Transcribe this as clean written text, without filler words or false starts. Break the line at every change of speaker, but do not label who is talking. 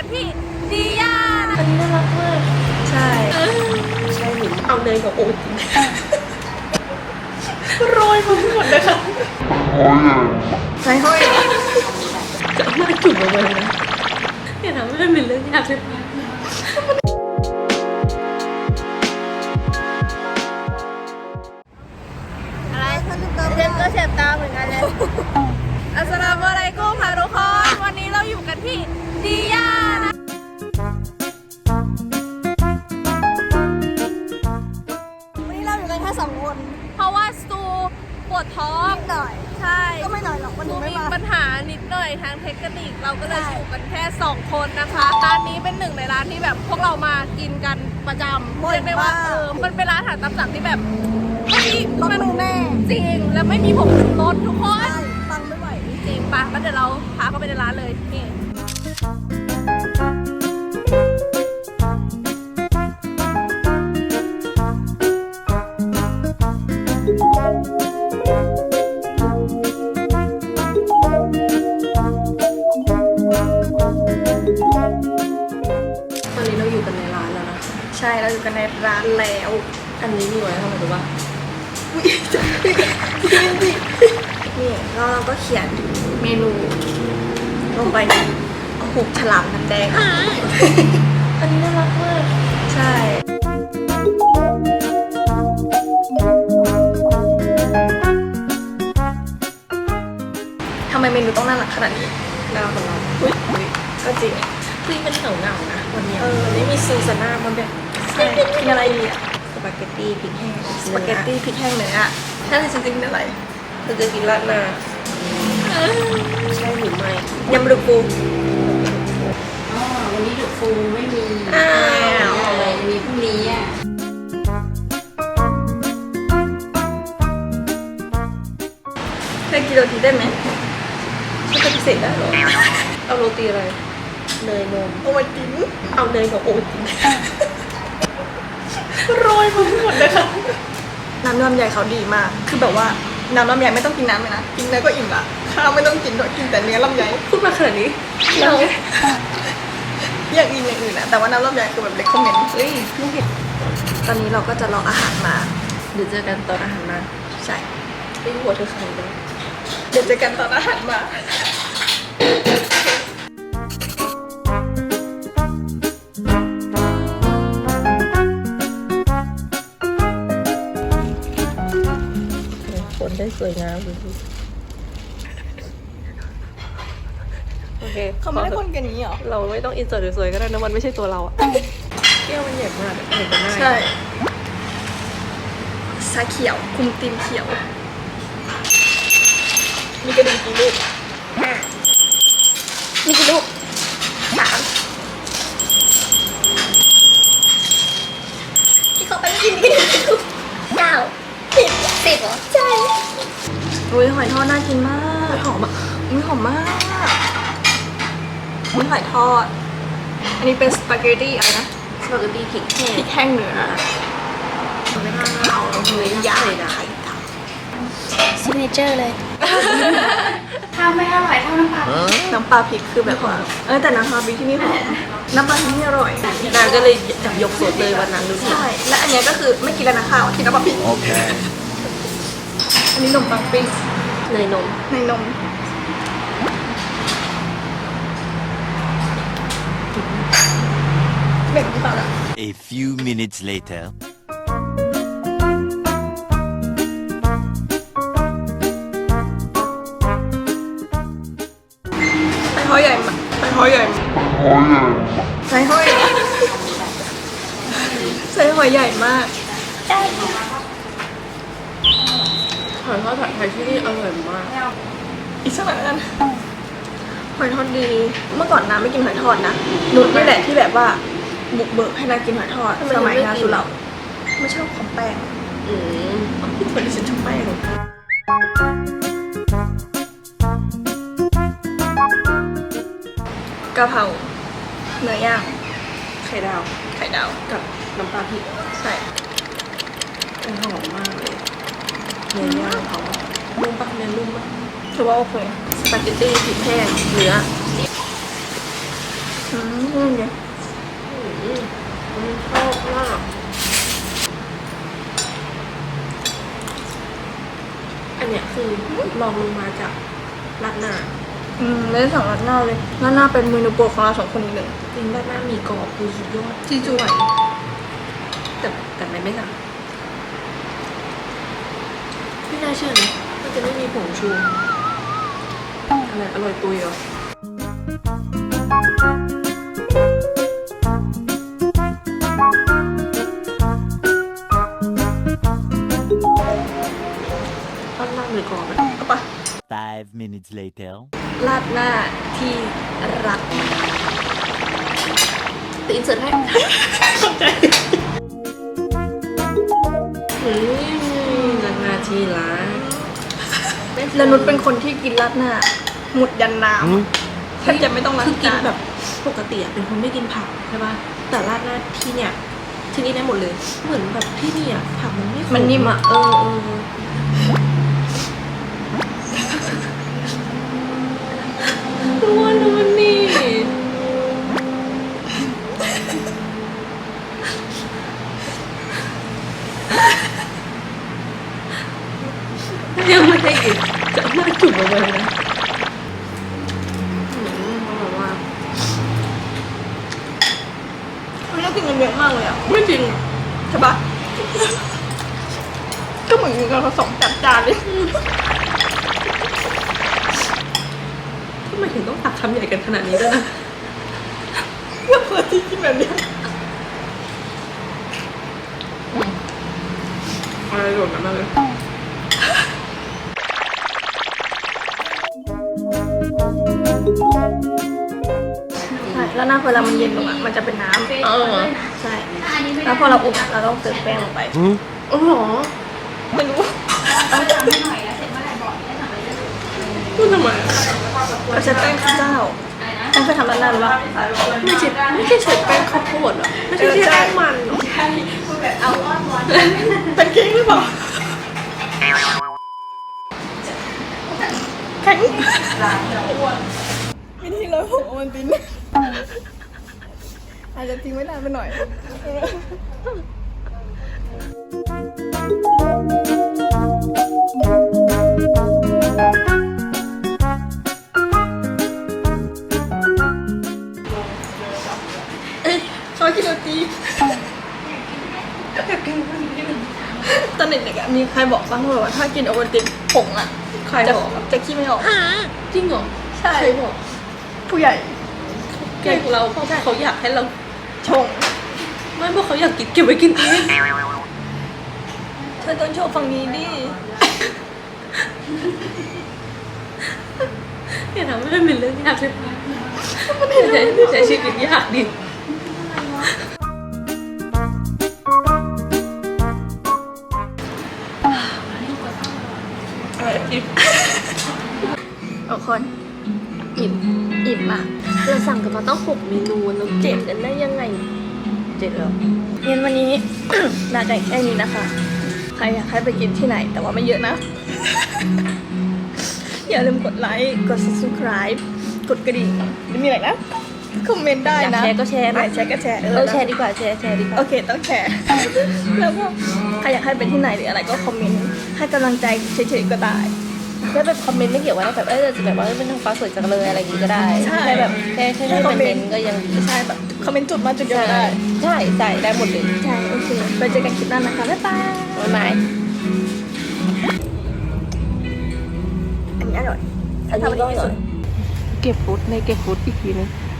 กันที่ดีย่านะอันนี้น่ารักมากใช่ใช่หนูเอาเนยกับโอ๊ตโรยมาหมดเลยค่ะใส่ห้อยจะเอามาจุ่มลงไปนะอย่าทำให้มันเป็นเรื่องยากเลยอะไรเจ็บก็เจ็บตาเหมือนกันเลยอัสสลามุอะลัยกุมค่ะทุกคนวันนี้เราอยู่กันที่ดีย่านะ
วันนี้เราอยู่กันแค่2 คน
เพราะว่าสตูปวดท้อง
นิดหน่อย
ใช่
ก็ไม่หน่อยหรอกวันนี้ไม่
มี
มา
ปัญหานิดหน่อยทางเทคนิคเราก็เลยอยู่กันแค่2 คนนะคะร้านนี้เป็นหนึ่งในร้านที่แบบพวกเรามากินกันประจำเรียกได้ว่ามันเป็นร้านอาหารตามสั่งที่แบบ
ต้องมือแม่
จริงแล้วไม่มีผงชูรสทุกคน
ตังไม่ไหว
จริงปะแล้วเดี๋ยวเราพาเข้าไปในร้านเลยนี่ตอนนี้เราอยู่กันในร้านแล้วนะ
ใช่เราอยู่กันในร้านแล้ว
อันนี้มีไว้ทำไมรู้ป่ะ
นี่แล้วเราก็เขียนเมนูลงไปในหุบฉลามน้ำแดง
อันนี้น่ารักมาก
ใช่ทำไมเมนูต้องน่ารักขนาดนี้
น่ารักของเรา
ก็จริง
มันเหงานะวันนี้
วันนี้มีซูซาน่ามันแบบกินอะไรดีอะ
สปาเกตตี้พริกแห้ง
สปาเกตตี้พริกแห้งเนื้อถ้าจริงๆอะไร
เราจะกินราดหน้าใช่หรือไม่
ยำรูปู
วันนี้ดูฟูไม่มีอะไรมีพรุ่งนี้อ่ะ
เคยกินโรตีได้ไหม
ฉันปฏิเสธได้หรอเอาโรตีอะไรเนยนม
โอวัลติน
เอาเนยกับโอวัลตินโรยมาหมดเลยค่ะ
น้ำลำไยเขาดีมากคือแบบว่าน้ำลำไยไม่ต้องกินน้ำเลยนะกินเนื้อก็อิ่มละข้าวไม่ต้องกินด้วยกินแต่เนื้อลำไย
พูดมาขนาดนี้
เราอย่างอื่นนะแต่ว่าน้ำลำไยคือแบบเล็กคอมเมนต์
เฮ้ยลูกเห็น
ตอนนี้เราก็จะรออาหารมา
เดี๋ยวเจอกันตอนอาหารมา
ใช่
ไม่หัวเธอใครเลย
เดี๋ยวเจอกันตอนอาหารมา
คนได้สวยงามดูโอเค
เขาไม่ได้คนกันนี้หรอ
เราไม่ต้องอินเสิร์ตสวยๆก็ได้นะมันไม่ใช่ตัวเราอะแก้วมันใหญ่มากเห็นกันได้
ใช่ชาเขียวคุมตีนเขียวมีกระดิ่งกี่ลูกมีกี่ลูก3ที่เขาไปกินกี่ลูก9 10เหรอใช่อุ้ยหอยทอดน่ากินมาก
หอมอ่ะ
อุ้ยหอมมากอุ้ยหอยทอดอันนี้เป็นสปาเกตตี้อะไรนะ
สปาเกตตี้พริกแห้ง
เนื้อเอาเลยยาไข่ดาวซิกเนเจอร์เลย
ถ้าไม่อร่อยเท่าน้ำปลา
พริกคือแบบว่าแต่น้ำปลาพริกที่นี่หอมน้ำปลาพริกนี่อร่อย
นางก็เลยจับยกสดเลยวันนั้นดูสิ
ใช่และอันนี้ก็คือไม่กินแล้วนะข้าวกินน้ำปลาพริกโอเคอันนี้นมปังปิ้ง
เนยนม
เบ่งที่ปากอะ
A few minutes later
ใส่หอยใหญ่มากใส่หอยใหญ่มากห
อยทอดผัดไทยที่นี่อร่อยมาก
อีกสักหน่อยกันหอยทอดดีเมื่อก่อนน้ำไม่กินหอยทอดนะนุชนี่แหละที่แบบว่าบุกเบิกให้นางกินหอยทอดสมัยนาสุเหร่าไม่ชอบของแป้ง
พี่คนที่ฉันชอบแป้ง
กะเพราเนื้อย่าง
ไข่ดาวกับน้ำปลาพริก
ใช่
หอมมากเลยเนื้อย่างเขานุ่มปะเนื้อนุ่มมาก
ถือว่าโอเคสปาเกตตี้พริกแห้งเนื้อเนี่ย
ชอบมากอันเนี้ยคือลองลงมาจากราดหน้า
ไม่ได้สั่งราดหน้าเลยราดหน้าเป็นเมนูโปรดของเรา2 คนอีกหนึ่ง
จริงราดหน้ามีกรอบคือสุดยอด
จีจู
แต่ไม่สั่งไม่น่าเชื่อนะว่าจะไม่มีผงชูอะไรอร่อยตุยเหรอราดหน้าหรือกรอบอะ
เอาปะ
5 minutes later.
ราดหน้าที่รัก
ตีอินเสิร์ตให้ราดหน้าที่ร้าน
แล้วนุชเป็นคนที่กินราดหน้าหมดยันน้ำแทบจะไม่ต้องล้าง
คือกิน
จาน
แบบปกติอะเป็นคนไม่กินผักใช่ป่ะแต่ราดหน้าที่เนี่ยที่นี่ได้หมดเลย เหมือนแบบที่นี่อะผักมันไม่ข
มันนิ่มอะ
เออตัวนู้นนี่ยังไม่ได้กินจะเอามาจุ่มเอาไว้นะแบบว่า
มันน่ากินกันเยอะมากเลยอะ
ไม่จริง
ใช่ปะก็เหมือนกันเรา2 จานเลย
ทำไมถึงต้องตักคำใหญ่กันขนาดนี้ด้วยนะ
เพื่อเพื่อที่กินแบบเนี้ย
อะไรหล่นมาเลย
ใช่แล้วหน้าเวลามันเย็นลงอะมันจะเป็นน้ำใช่แล้วพอเราอุ่นอะเราต้องเติมแป้งลงไป
อ๋อเหรอ
ไม่รู้
พูดทำไมอะ
เราใช้แป้งข้าวเจ้าต้องไปทำร้านนั้นหรือเปล่า
ไม่ใช่ใช้แป้งข้าวโพดเหรอไม่ใช่แป้งมันเหรอ
เป็นเค้กหรือเปล่าแข็งวิธีเราของโอวัลตินอาจจะทิ้งไว้นานไปหน่อยชอบกินโรตีตอนเด็กๆอะมีใครบอกบ้างว่าถ้ากินโอวัลตินผงอะ
ใครบอก
จะขี้ไม่ออก
จริงเหรอ
ใช่
ใครบอก
ผู้ใหญ่
แกงเราเพราะเขาอยากให้เรา
ชง
ไม่เพราะเขาอยากกินเก็บไว้กินเอง
เธอต้องโชว์ฝั่งนี้ดิ
อย่าทำให้มันเป็นเรื่องยากเลยใช้ชีวิตยากดิ
ทุกคนอิ่มมาก
เราสั่งกันมาต้อง6 เมนูแล้ว7กันได้ยังไง7แล้ว
เย็นวันนี้ น่าจะแค่นี้นะคะ ใครอยากให้ไปกินที่ไหนแต่ว่าไม่เยอะนะ อย่าลืมกดไลค์กด subscribe กดกระดิ่งหรือมีอะไรนะคอมเมนต์ได้
อยาก
นะ
แชร์ก็แชร์
ไหน
นะ
แชร์ก็แชร์
แชร์ดีกว่าแชร์ดีกว่า
โอเคต้องแชร์ แล้วก็ใครอยากให้ไปที่ไหนหรืออะไรก็คอมเมนต์ให้กำลังใจเฉยๆก็ได้
แค่แบบคอมเมนต์ไม่เกี่ยวว่าแบบเราจะแบบว่าเป็นทางฟ้าสวยจังเลยอะไรอย่างงี้ก็ได้
ใช่
แค่แบบแค่ให้คอมเมนต์ก็ยังดี
ใช่แบบคอมเมนต์จุดมาจุดเดียวก็ได้
ใช่ได้หมดเลย
ใช่ โอเค ไปเจอกันคลิปหน้านะคะ บ๊ายบาย
บ๊ายบาย
อันนี้อร่อย
อันนี้ก็อร่อยเก็บฟุตในเก็บฟุตอีกทีนึง